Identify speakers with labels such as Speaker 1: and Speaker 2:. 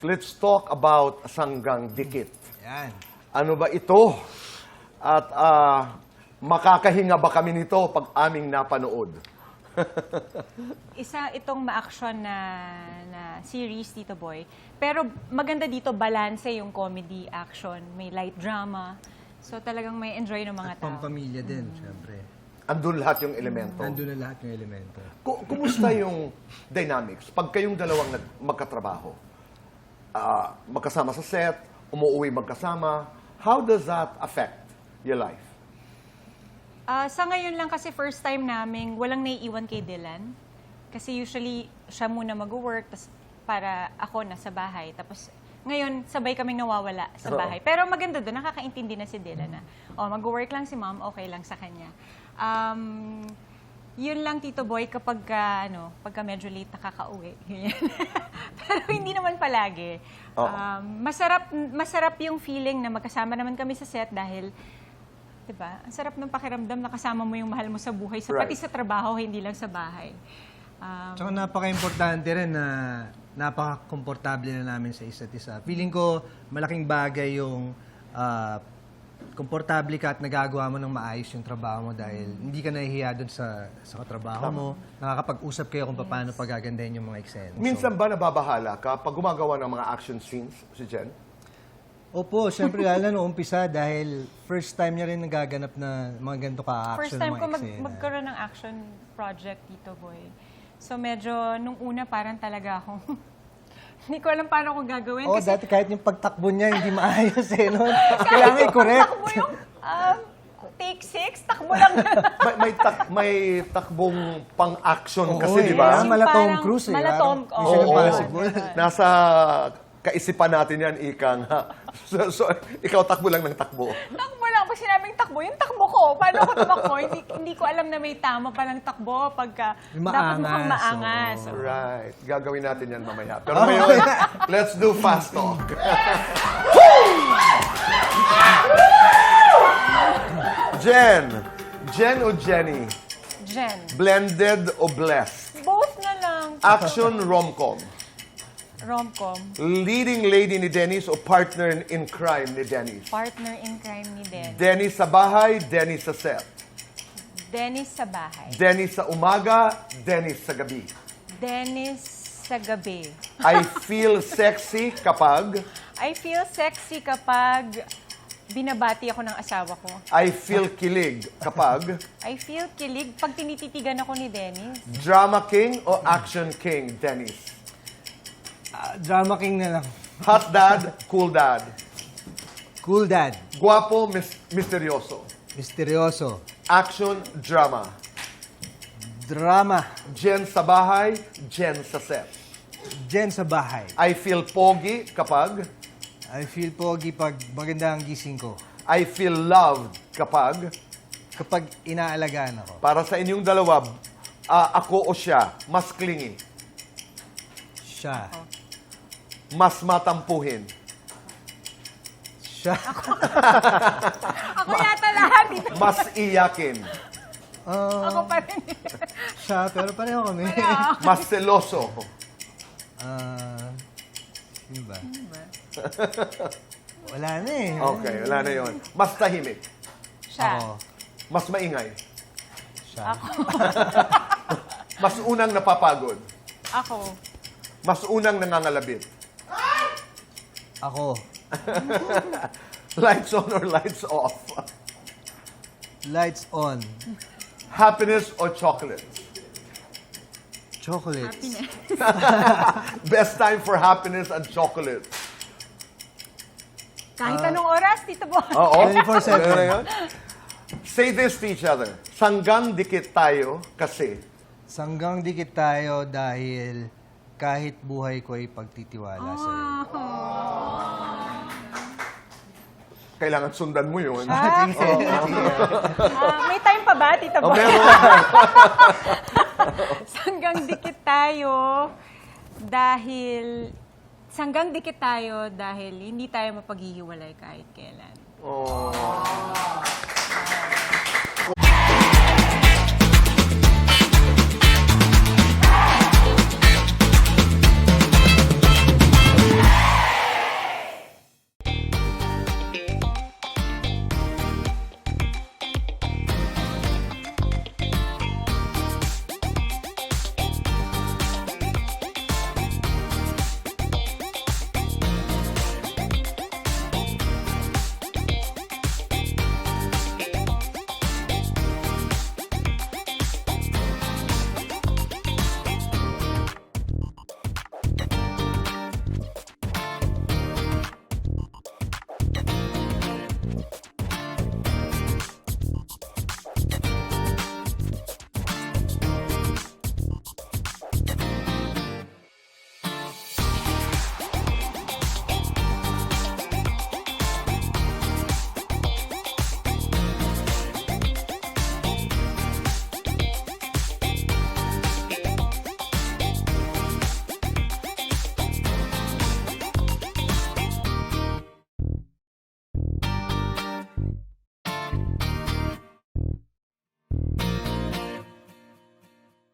Speaker 1: Let's talk about Sanggang Dikit.
Speaker 2: Yan.
Speaker 1: Ano ba ito? At makakahinga ba kami nito pag aming napanood?
Speaker 3: Isa itong ma-action na series, Tito Boy. Pero maganda dito, balanse yung comedy, action, may light drama. So talagang may enjoy ng mga
Speaker 2: At
Speaker 3: tao.
Speaker 2: pampamilya din, syempre.
Speaker 1: Andun lahat yung elemento.
Speaker 2: Nandun na lahat yung elemento.
Speaker 1: Kumusta yung dynamics? Pag kayong dalawang magkatrabaho, magkasama sa set, umuwi magkasama, how does that affect your life?
Speaker 3: Sa ngayon lang kasi first time namin, walang naiiwan kay Dylan. Kasi usually, siya muna mag-work, tas para ako nasa bahay. Tapos ngayon, sabay kaming nawawala sa bahay. Pero maganda doon, nakakaintindi na si Dylan na, mag-work lang si mom, okay lang sa kanya. Yun lang, Tito Boy, pagka medyo late nakakauwi. Pero hindi naman palagi. Masarap yung feeling na magkasama naman kami sa set dahil, diba, ang sarap ng pakiramdam na kasama mo yung mahal mo sa buhay, pati sa trabaho, hindi lang sa bahay.
Speaker 2: Tsaka napaka-importante rin na napaka-komportable na namin sa isa't isa. Feeling ko malaking bagay yung komportable ka at nagagawa mo ng maayos yung trabaho mo dahil hindi ka nahihiya doon sa katrabaho mo. Nakakapag-usap kayo kung paano pagagandahin yung mga eksena.
Speaker 1: Minsan ba nababahala ka pag gumagawa ng mga action scenes si Jen?
Speaker 2: Opo, syempre lalo na noong umpisa dahil first time niya rin nagaganap na mga ganito ka-action
Speaker 3: First time ko
Speaker 2: mga eksena.
Speaker 3: magkaroon ng action project, Tito Boy. So medyo, nung una parang talaga akong, hindi ko alam paano ko gagawin.
Speaker 2: Oo, dati kahit yung pagtakbo niya hindi maayos eh. No? Kailangan i-correct.
Speaker 3: Takbo yung take 6, takbo lang.
Speaker 1: may takbong pang-action kasi,
Speaker 2: Oo,
Speaker 1: di ba?
Speaker 2: eh. Mala Tom Cruise eh.
Speaker 3: Mala Tom,
Speaker 2: Mission Impossible.
Speaker 1: Nasa kaisipan natin yan, Ikang. So, ikaw takbo lang ng takbo.
Speaker 3: Takbo lang. Pag sinabing takbo, yung takbo ko. Paano ko tumakbo? hindi ko alam na may tama palang takbo pagka dapat mukhang maangas.
Speaker 2: So.
Speaker 1: Right. Gagawin natin yan mamaya. Pero ngayon, let's do fast talk. Jen o Jenny?
Speaker 3: Jen.
Speaker 1: Blended o blessed?
Speaker 3: Both na lang.
Speaker 1: Action rom-com?
Speaker 3: Rom-com.
Speaker 1: Leading lady ni Dennis o partner in crime ni Dennis?
Speaker 3: Partner in crime ni Dennis.
Speaker 1: Dennis sa bahay, Dennis sa set.
Speaker 3: Dennis sa bahay.
Speaker 1: Dennis sa umaga, Dennis sa gabi.
Speaker 3: Dennis sa gabi.
Speaker 1: I feel sexy kapag
Speaker 3: I feel sexy kapag binabati ako ng asawa ko.
Speaker 1: I feel kilig kapag
Speaker 3: I feel kilig pag tinititigan ako ni Dennis.
Speaker 1: drama king o action king, Dennis.
Speaker 2: Drama king na lang.
Speaker 1: Hot dad, cool dad.
Speaker 2: Cool dad.
Speaker 1: Guwapo, misteryoso.
Speaker 2: Misteryoso.
Speaker 1: Action, drama.
Speaker 2: Drama.
Speaker 1: Jen sa bahay, Jen sa set.
Speaker 2: Jen sa bahay.
Speaker 1: I feel pogi kapag
Speaker 2: I feel pogi pag maganda ang gising ko.
Speaker 1: I feel loved kapag
Speaker 2: Kapag inaalagaan ako.
Speaker 1: para sa inyong dalawa, ako o siya, mas clingy,
Speaker 2: Siya.
Speaker 1: mas matampuhin.
Speaker 2: Siya.
Speaker 3: Ako yata lahat dito.
Speaker 1: Mas iyakin.
Speaker 3: Ako pa rin.
Speaker 2: Siya, pero pareho kami.
Speaker 1: Mas seloso.
Speaker 2: Sino ba? Wala na eh.
Speaker 1: Okay, wala na yon. Mas tahimik.
Speaker 3: Siya.
Speaker 2: Ako.
Speaker 1: Mas maingay.
Speaker 2: Siya.
Speaker 1: Mas unang napapagod.
Speaker 3: Ako.
Speaker 1: Mas unang nangangalabit.
Speaker 2: Ako.
Speaker 1: Lights on or lights off.
Speaker 2: Lights on.
Speaker 1: Happiness or chocolate.
Speaker 2: Chocolates.
Speaker 1: Best time for happiness and chocolate.
Speaker 3: Kahit anong oras, Tito Boy.
Speaker 1: Oo.
Speaker 2: 24/7.
Speaker 1: Ano na yun? Say this to each other. Sanggang dikit tayo kasi
Speaker 2: Sanggang dikit tayo dahil kahit buhay ko ay pagtitiwala sa iyo.
Speaker 1: kailangan sundan mo yun.
Speaker 3: May time pa ba, Tito Boy?
Speaker 1: Meron.
Speaker 3: Sanggang dikit tayo dahil hindi tayo mapaghihiwalay kahit kailan.
Speaker 1: Oh.